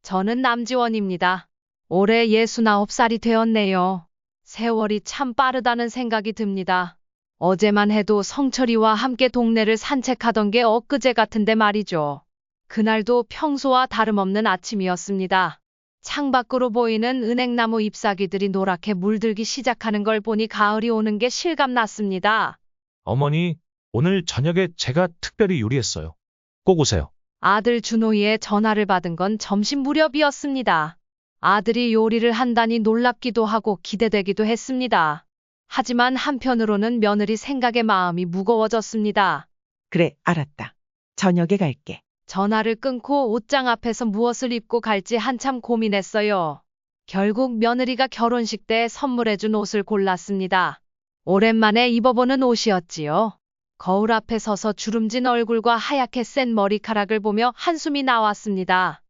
저는 남지원입니다. 올해 69살이 되었네요. 세월이 참 빠르다는 생각이 듭니다. 어제만 해도 성철이와 함께 동네를 산책하던 게 엊그제 같은데 말이죠. 그날도 평소와 다름없는 아침이었습니다. 창밖으로 보이는 은행나무 잎사귀들이 노랗게 물들기 시작하는 걸 보니 가을이 오는 게 실감났습니다. 어머니, 오늘 저녁에 제가 특별히 요리했어요. 꼭 오세요. 아들 준호이의 전화를 받은 건 점심 무렵이었습니다. 아들이 요리를 한다니 놀랍기도 하고 기대되기도 했습니다. 하지만 한편으로는 며느리 생각에 마음이 무거워졌습니다. 그래, 알았다. 저녁에 갈게. 전화를 끊고 옷장 앞에서 무엇을 입고 갈지 한참 고민했어요. 결국 며느리가 결혼식 때 선물해준 옷을 골랐습니다. 오랜만에 입어보는 옷이었지요. 거울 앞에 서서 주름진 얼굴과 하얗게 센 머리카락을 보며 한숨이 나왔습니다.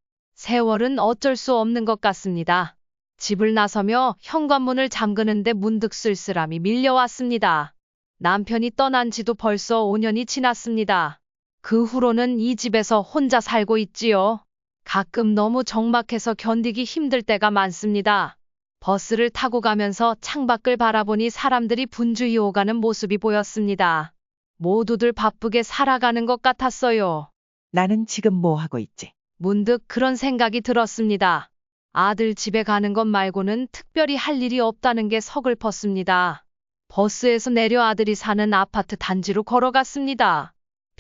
세월은 어쩔 수 없는 것 같습니다. 집을 나서며 현관문을 잠그는데 문득 쓸쓸함이 밀려왔습니다. 남편이 떠난 지도 벌써 5년이 지났습니다. 그 후로는 이 집에서 혼자 살고 있지요. 가끔 너무 적막해서 견디기 힘들 때가 많습니다. 버스를 타고 가면서 창밖을 바라보니 사람들이 분주히 오가는 모습이 보였습니다. 모두들 바쁘게 살아가는 것 같았어요. 나는 지금 뭐 하고 있지? 문득 그런 생각이 들었습니다. 아들 집에 가는 것 말고는 특별히 할 일이 없다는 게 서글펐습니다. 버스에서 내려 아들이 사는 아파트 단지로 걸어갔습니다.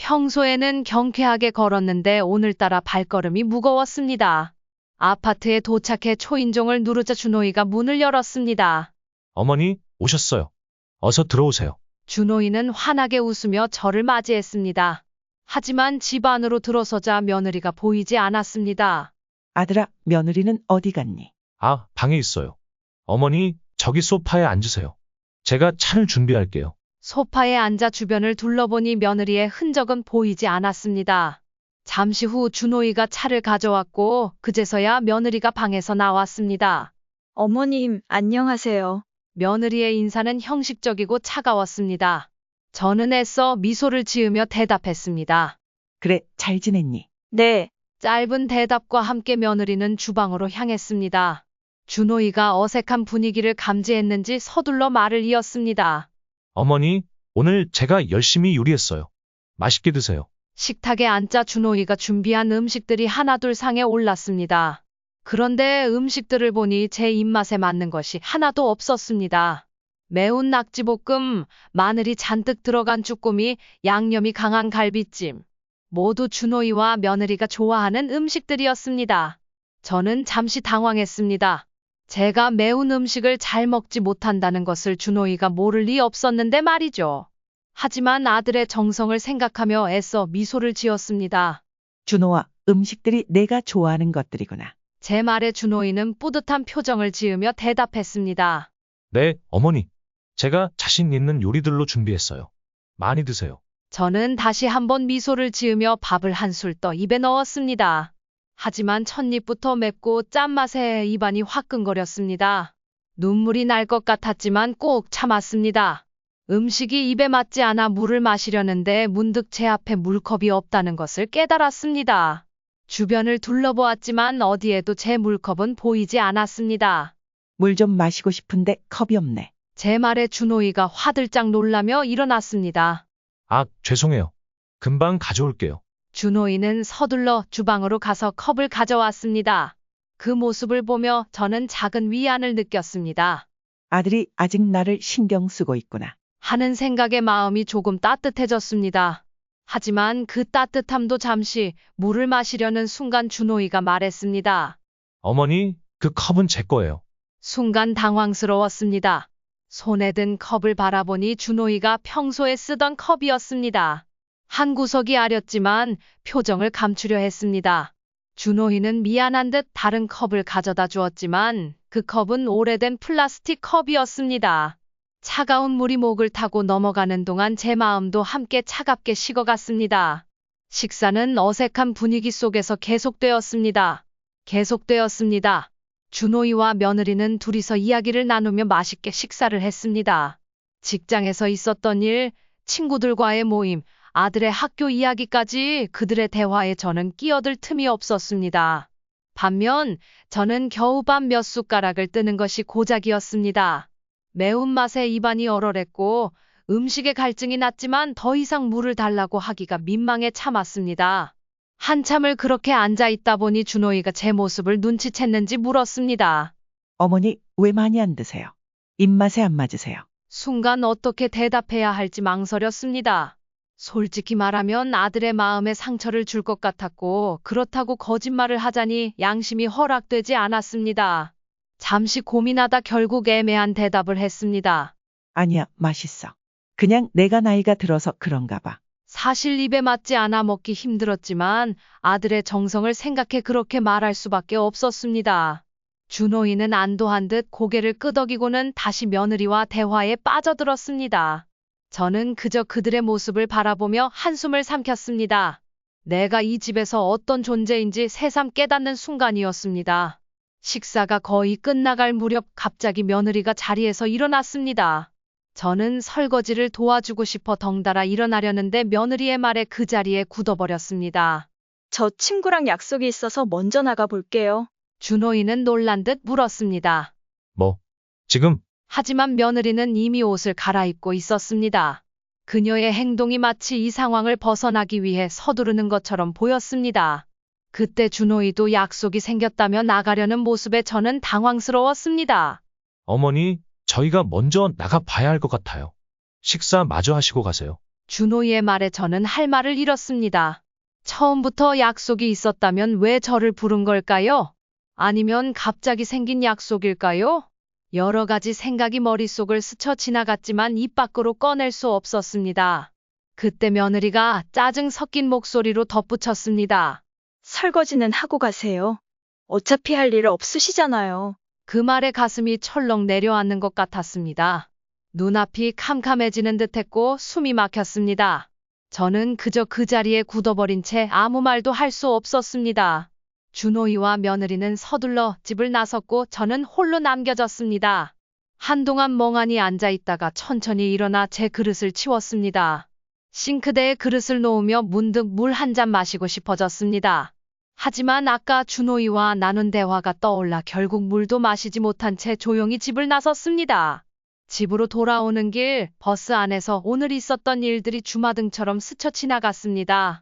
평소에는 경쾌하게 걸었는데 오늘따라 발걸음이 무거웠습니다. 아파트에 도착해 초인종을 누르자 준호이가 문을 열었습니다. 어머니, 오셨어요. 어서 들어오세요. 준호이는 환하게 웃으며 저를 맞이했습니다. 하지만 집 안으로 들어서자 며느리가 보이지 않았습니다. 아들아, 며느리는 어디 갔니? 아, 방에 있어요. 어머니, 저기 소파에 앉으세요. 제가 차를 준비할게요. 소파에 앉아 주변을 둘러보니 며느리의 흔적은 보이지 않았습니다. 잠시 후 준호이가 차를 가져왔고 그제서야 며느리가 방에서 나왔습니다. 어머님, 안녕하세요. 며느리의 인사는 형식적이고 차가웠습니다. 저는 애써 미소를 지으며 대답했습니다. 그래, 잘 지냈니? 네, 짧은 대답과 함께 며느리는 주방으로 향했습니다. 준호이가 어색한 분위기를 감지했는지 서둘러 말을 이었습니다. 어머니, 오늘 제가 열심히 요리했어요. 맛있게 드세요. 식탁에 앉자 준호이가 준비한 음식들이 하나둘 상에 올랐습니다. 그런데 음식들을 보니 제 입맛에 맞는 것이 하나도 없었습니다. 매운 낙지볶음, 마늘이 잔뜩 들어간 쭈꾸미, 양념이 강한 갈비찜. 모두 준호이와 며느리가 좋아하는 음식들이었습니다. 저는 잠시 당황했습니다. 제가 매운 음식을 잘 먹지 못한다는 것을 준호이가 모를 리 없었는데 말이죠. 하지만 아들의 정성을 생각하며 애써 미소를 지었습니다. 준호아, 음식들이 내가 좋아하는 것들이구나. 제 말에 준호이는 뿌듯한 표정을 지으며 대답했습니다. 네, 어머니. 제가 자신 있는 요리들로 준비했어요. 많이 드세요. 저는 다시 한번 미소를 지으며 밥을 한술 떠 입에 넣었습니다. 하지만 첫입부터 맵고 짠맛에 입안이 화끈거렸습니다. 눈물이 날 것 같았지만 꼭 참았습니다. 음식이 입에 맞지 않아 물을 마시려는데 문득 제 앞에 물컵이 없다는 것을 깨달았습니다. 주변을 둘러보았지만 어디에도 제 물컵은 보이지 않았습니다. 물 좀 마시고 싶은데 컵이 없네. 제 말에 준호이가 화들짝 놀라며 일어났습니다. 아, 죄송해요. 금방 가져올게요. 준호이는 서둘러 주방으로 가서 컵을 가져왔습니다. 그 모습을 보며 저는 작은 위안을 느꼈습니다. 아들이 아직 나를 신경 쓰고 있구나. 하는 생각에 마음이 조금 따뜻해졌습니다. 하지만 그 따뜻함도 잠시 물을 마시려는 순간 준호이가 말했습니다. 어머니, 그 컵은 제 거예요. 순간 당황스러웠습니다. 손에 든 컵을 바라보니 준호이가 평소에 쓰던 컵이었습니다. 한 구석이 아렸지만 표정을 감추려 했습니다. 준호이는 미안한 듯 다른 컵을 가져다 주었지만 그 컵은 오래된 플라스틱 컵이었습니다. 차가운 물이 목을 타고 넘어가는 동안 제 마음도 함께 차갑게 식어갔습니다. 식사는 어색한 분위기 속에서 계속되었습니다. 준호이와 며느리는 둘이서 이야기를 나누며 맛있게 식사를 했습니다. 직장에서 있었던 일, 친구들과의 모임, 아들의 학교 이야기까지 그들의 대화에 저는 끼어들 틈이 없었습니다. 반면 저는 겨우 밥 몇 숟가락을 뜨는 것이 고작이었습니다. 매운맛에 입안이 얼얼했고 음식에 갈증이 났지만 더 이상 물을 달라고 하기가 민망해 참았습니다. 한참을 그렇게 앉아 있다 보니 준호이가 제 모습을 눈치챘는지 물었습니다. 어머니, 왜 많이 안 드세요? 입맛에 안 맞으세요? 순간 어떻게 대답해야 할지 망설였습니다. 솔직히 말하면 아들의 마음에 상처를 줄 것 같았고 그렇다고 거짓말을 하자니 양심이 허락되지 않았습니다. 잠시 고민하다 결국 애매한 대답을 했습니다. 아니야, 맛있어. 그냥 내가 나이가 들어서 그런가 봐. 사실 입에 맞지 않아 먹기 힘들었지만 아들의 정성을 생각해 그렇게 말할 수밖에 없었습니다. 준호이는 안도한 듯 고개를 끄덕이고는 다시 며느리와 대화에 빠져들었습니다. 저는 그저 그들의 모습을 바라보며 한숨을 삼켰습니다. 내가 이 집에서 어떤 존재인지 새삼 깨닫는 순간이었습니다. 식사가 거의 끝나갈 무렵 갑자기 며느리가 자리에서 일어났습니다. 저는 설거지를 도와주고 싶어 덩달아 일어나려는데 며느리의 말에 그 자리에 굳어버렸습니다. 저 친구랑 약속이 있어서 먼저 나가 볼게요. 준호이는 놀란 듯 물었습니다. 뭐, 지금, 하지만 며느리는 이미 옷을 갈아입고 있었습니다. 그녀의 행동이 마치 이 상황을 벗어나기 위해 서두르는 것처럼 보였습니다. 그때 준호이도 약속이 생겼다며 나가려는 모습에 저는 당황스러웠습니다. 어머니, 저희가 먼저 나가 봐야 할 것 같아요. 식사 마저 하시고 가세요. 준호이의 말에 저는 할 말을 잃었습니다. 처음부터 약속이 있었다면 왜 저를 부른 걸까요? 아니면 갑자기 생긴 약속일까요? 여러 가지 생각이 머릿속을 스쳐 지나갔지만 입 밖으로 꺼낼 수 없었습니다. 그때 며느리가 짜증 섞인 목소리로 덧붙였습니다. 설거지는 하고 가세요. 어차피 할 일 없으시잖아요. 그 말에 가슴이 철렁 내려앉는 것 같았습니다. 눈앞이 캄캄해지는 듯했고 숨이 막혔습니다. 저는 그저 그 자리에 굳어버린 채 아무 말도 할 수 없었습니다. 준호이와 며느리는 서둘러 집을 나섰고 저는 홀로 남겨졌습니다. 한동안 멍하니 앉아 있다가 천천히 일어나 제 그릇을 치웠습니다. 싱크대에 그릇을 놓으며 문득 물 한 잔 마시고 싶어졌습니다. 하지만 아까 준호이와 나눈 대화가 떠올라 결국 물도 마시지 못한 채 조용히 집을 나섰습니다. 집으로 돌아오는 길 버스 안에서 오늘 있었던 일들이 주마등처럼 스쳐 지나갔습니다.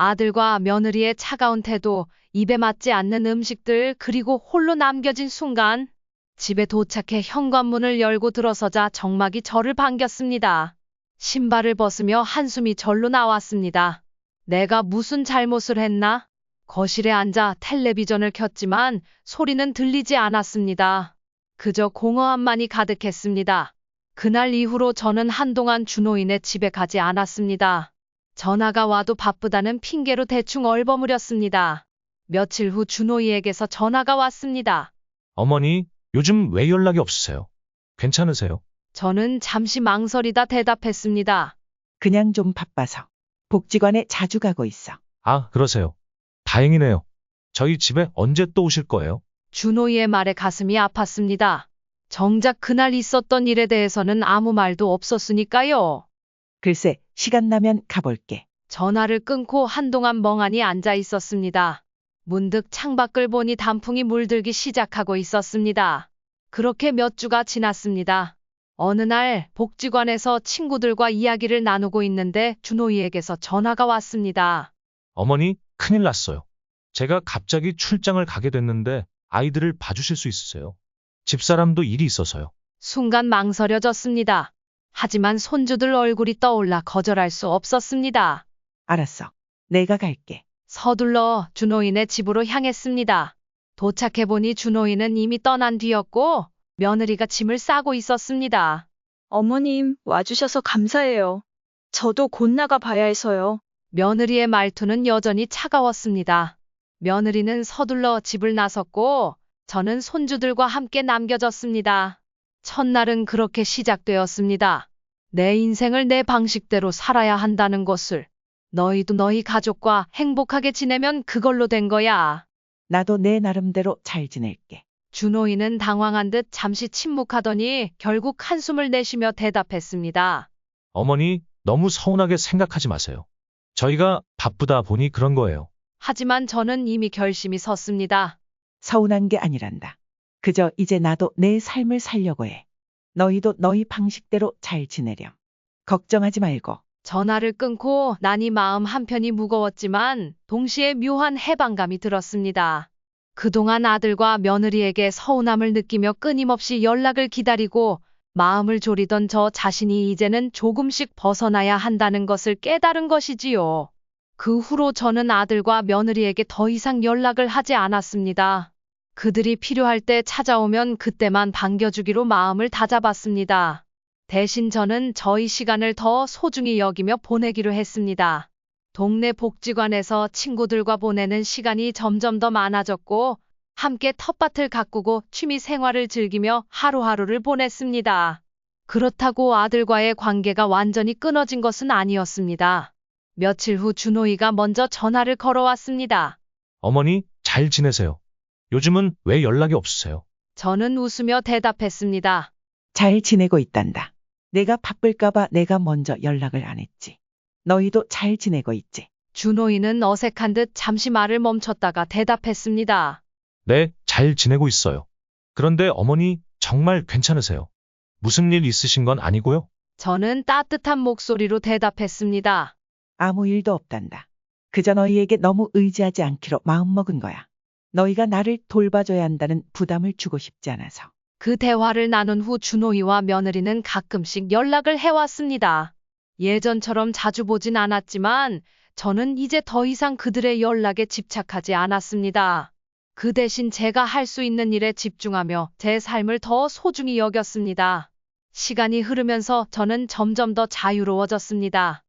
아들과 며느리의 차가운 태도, 입에 맞지 않는 음식들, 그리고 홀로 남겨진 순간 집에 도착해 현관문을 열고 들어서자 정막이 저를 반겼습니다. 신발을 벗으며 한숨이 절로 나왔습니다. 내가 무슨 잘못을 했나? 거실에 앉아 텔레비전을 켰지만 소리는 들리지 않았습니다. 그저 공허함만이 가득했습니다. 그날 이후로 저는 한동안 준호이네 집에 가지 않았습니다. 전화가 와도 바쁘다는 핑계로 대충 얼버무렸습니다. 며칠 후 준호이에게서 전화가 왔습니다. 어머니, 요즘 왜 연락이 없으세요? 괜찮으세요? 저는 잠시 망설이다 대답했습니다. 그냥 좀 바빠서. 복지관에 자주 가고 있어. 아, 그러세요. 다행이네요. 저희 집에 언제 또 오실 거예요? 준호이의 말에 가슴이 아팠습니다. 정작 그날 있었던 일에 대해서는 아무 말도 없었으니까요. 글쎄, 시간 나면 가볼게. 전화를 끊고 한동안 멍하니 앉아 있었습니다. 문득 창밖을 보니 단풍이 물들기 시작하고 있었습니다. 그렇게 몇 주가 지났습니다. 어느 날 복지관에서 친구들과 이야기를 나누고 있는데 준호이에게서 전화가 왔습니다. 어머니, 큰일 났어요. 제가 갑자기 출장을 가게 됐는데 아이들을 봐주실 수 있으세요? 집사람도 일이 있어서요. 순간 망설여졌습니다. 하지만 손주들 얼굴이 떠올라 거절할 수 없었습니다. 알았어. 내가 갈게. 서둘러 준호이네 집으로 향했습니다. 도착해보니 준호이는 이미 떠난 뒤였고 며느리가 짐을 싸고 있었습니다. 어머님, 와주셔서 감사해요. 저도 곧 나가 봐야 해서요. 며느리의 말투는 여전히 차가웠습니다. 며느리는 서둘러 집을 나섰고 저는 손주들과 함께 남겨졌습니다. 첫날은 그렇게 시작되었습니다. 내 인생을 내 방식대로 살아야 한다는 것을. 너희도 너희 가족과 행복하게 지내면 그걸로 된 거야. 나도 내 나름대로 잘 지낼게. 준호이는 당황한 듯 잠시 침묵하더니 결국 한숨을 내쉬며 대답했습니다. 어머니, 너무 서운하게 생각하지 마세요. 저희가 바쁘다 보니 그런 거예요. 하지만 저는 이미 결심이 섰습니다. 서운한 게 아니란다. 그저 이제 나도 내 삶을 살려고 해. 너희도 너희 방식대로 잘 지내렴. 걱정하지 말고. 전화를 끊고 나니 마음 한편이 무거웠지만 동시에 묘한 해방감이 들었습니다. 그동안 아들과 며느리에게 서운함을 느끼며 끊임없이 연락을 기다리고 마음을 졸이던 저 자신이 이제는 조금씩 벗어나야 한다는 것을 깨달은 것이지요. 그 후로 저는 아들과 며느리에게 더 이상 연락을 하지 않았습니다. 그들이 필요할 때 찾아오면 그때만 반겨주기로 마음을 다잡았습니다. 대신 저는 저희 시간을 더 소중히 여기며 보내기로 했습니다. 동네 복지관에서 친구들과 보내는 시간이 점점 더 많아졌고 함께 텃밭을 가꾸고 취미 생활을 즐기며 하루하루를 보냈습니다. 그렇다고 아들과의 관계가 완전히 끊어진 것은 아니었습니다. 며칠 후 준호이가 먼저 전화를 걸어왔습니다. 어머니, 잘 지내세요? 요즘은 왜 연락이 없으세요? 저는 웃으며 대답했습니다. 잘 지내고 있단다. 내가 바쁠까봐 내가 먼저 연락을 안 했지. 너희도 잘 지내고 있지? 준호이는 어색한 듯 잠시 말을 멈췄다가 대답했습니다. 네, 잘 지내고 있어요. 그런데 어머니, 정말 괜찮으세요? 무슨 일 있으신 건 아니고요? 저는 따뜻한 목소리로 대답했습니다. 아무 일도 없단다. 그저 너희에게 너무 의지하지 않기로 마음먹은 거야. 너희가 나를 돌봐줘야 한다는 부담을 주고 싶지 않아서. 그 대화를 나눈 후 준호이와 며느리는 가끔씩 연락을 해왔습니다. 예전처럼 자주 보진 않았지만 저는 이제 더 이상 그들의 연락에 집착하지 않았습니다. 그 대신 제가 할 수 있는 일에 집중하며 제 삶을 더 소중히 여겼습니다. 시간이 흐르면서 저는 점점 더 자유로워졌습니다.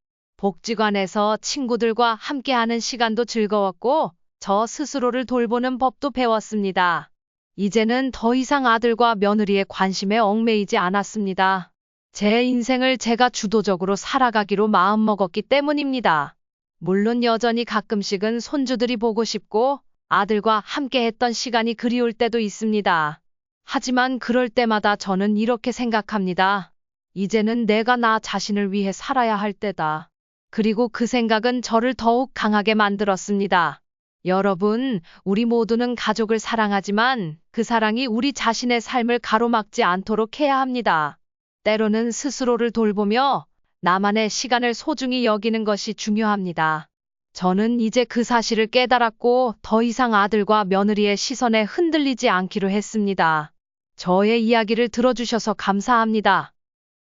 복지관에서 친구들과 함께하는 시간도 즐거웠고 저 스스로를 돌보는 법도 배웠습니다. 이제는 더 이상 아들과 며느리의 관심에 얽매이지 않았습니다. 제 인생을 제가 주도적으로 살아가기로 마음먹었기 때문입니다. 물론 여전히 가끔씩은 손주들이 보고 싶고 아들과 함께했던 시간이 그리울 때도 있습니다. 하지만 그럴 때마다 저는 이렇게 생각합니다. 이제는 내가 나 자신을 위해 살아야 할 때다. 그리고 그 생각은 저를 더욱 강하게 만들었습니다. 여러분, 우리 모두는 가족을 사랑하지만 그 사랑이 우리 자신의 삶을 가로막지 않도록 해야 합니다. 때로는 스스로를 돌보며 나만의 시간을 소중히 여기는 것이 중요합니다. 저는 이제 그 사실을 깨달았고 더 이상 아들과 며느리의 시선에 흔들리지 않기로 했습니다. 저의 이야기를 들어주셔서 감사합니다.